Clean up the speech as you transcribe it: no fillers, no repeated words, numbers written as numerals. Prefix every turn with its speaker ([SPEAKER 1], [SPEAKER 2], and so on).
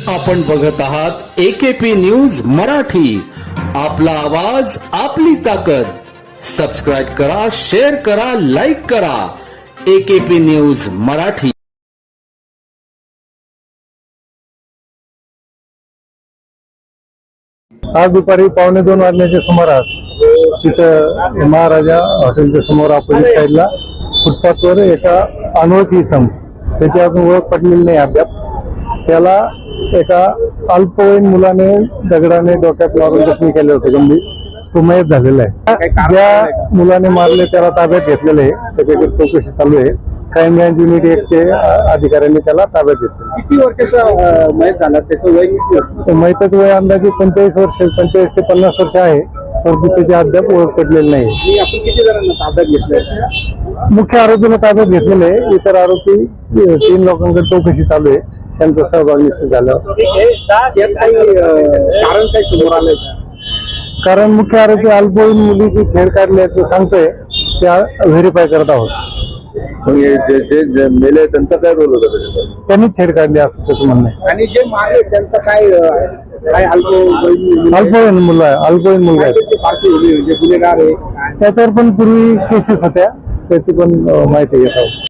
[SPEAKER 1] आपण बघत आहात AKP न्यूज मराठी. आपला आवाज आपली ताकद. सबस्क्राईब करा, शेअर करा, लाईक करा. AKP news Marathi.
[SPEAKER 2] आज दुपारी 1:15 वाजण्याच्या सुमारास तिथं महाराजा हॉटेलच्या समोर अपोजिट साईडला फुटपाथवर एका अनोळखी इसम, त्याची अजून ओळख पटलेली नाही अद्याप, त्याला एका अल्पवयीन मुलाने दगडाने डोक्यात मारून जखमी केले होते गंभीर. तो मयत झालेला आहे. ज्या मुलाने मारले त्याला ताब्यात घेतलेलं आहे, त्याच्याकडे चौकशी चालू आहे. क्राईम ब्रांच युनिट 1 चे अधिकाऱ्यांनी त्याला ताब्यात घेतलं.
[SPEAKER 3] किती वर्षाचा मयत झाला, त्याचं वय किती?
[SPEAKER 2] मयताचं वय अंदाजे 25 वर्ष, 25 ते 50 वर्ष आहे, परंतु त्याची अद्याप ओळख पडलेली नाही.
[SPEAKER 3] आपण किती जणांना ताब्यात घेतलंय?
[SPEAKER 2] मुख्य आरोपीला ताब्यात घेतलेले आहे. इतर आरोपी 3 लोकांकडे चौकशी चालू आहे. त्यांचा सहभाग निश्चित झाल्यावर
[SPEAKER 3] कारण काय समोर आलंय?
[SPEAKER 2] कारण मुख्य आरोपी अल्पवयीन मुलीची छेड काढल्याचं सांगतोय, त्या व्हेरीफाय करत आहोत.
[SPEAKER 4] जे मेले त्यांचा काय रोल होता त्याच्यात?
[SPEAKER 2] त्यांनीच छेड काढली असं त्याचं म्हणणं आहे.
[SPEAKER 3] आणि जे मारले त्यांचा काय
[SPEAKER 2] अल्पवयीन मुलं आहे, अल्पवयीन मुलगा आहे.
[SPEAKER 3] पार्श्वभूमी म्हणजे गुन्हेगार आहे?
[SPEAKER 2] त्याच्यावर पण पूर्वी केसेस होत्या, त्याची पण माहिती घेत आहोत.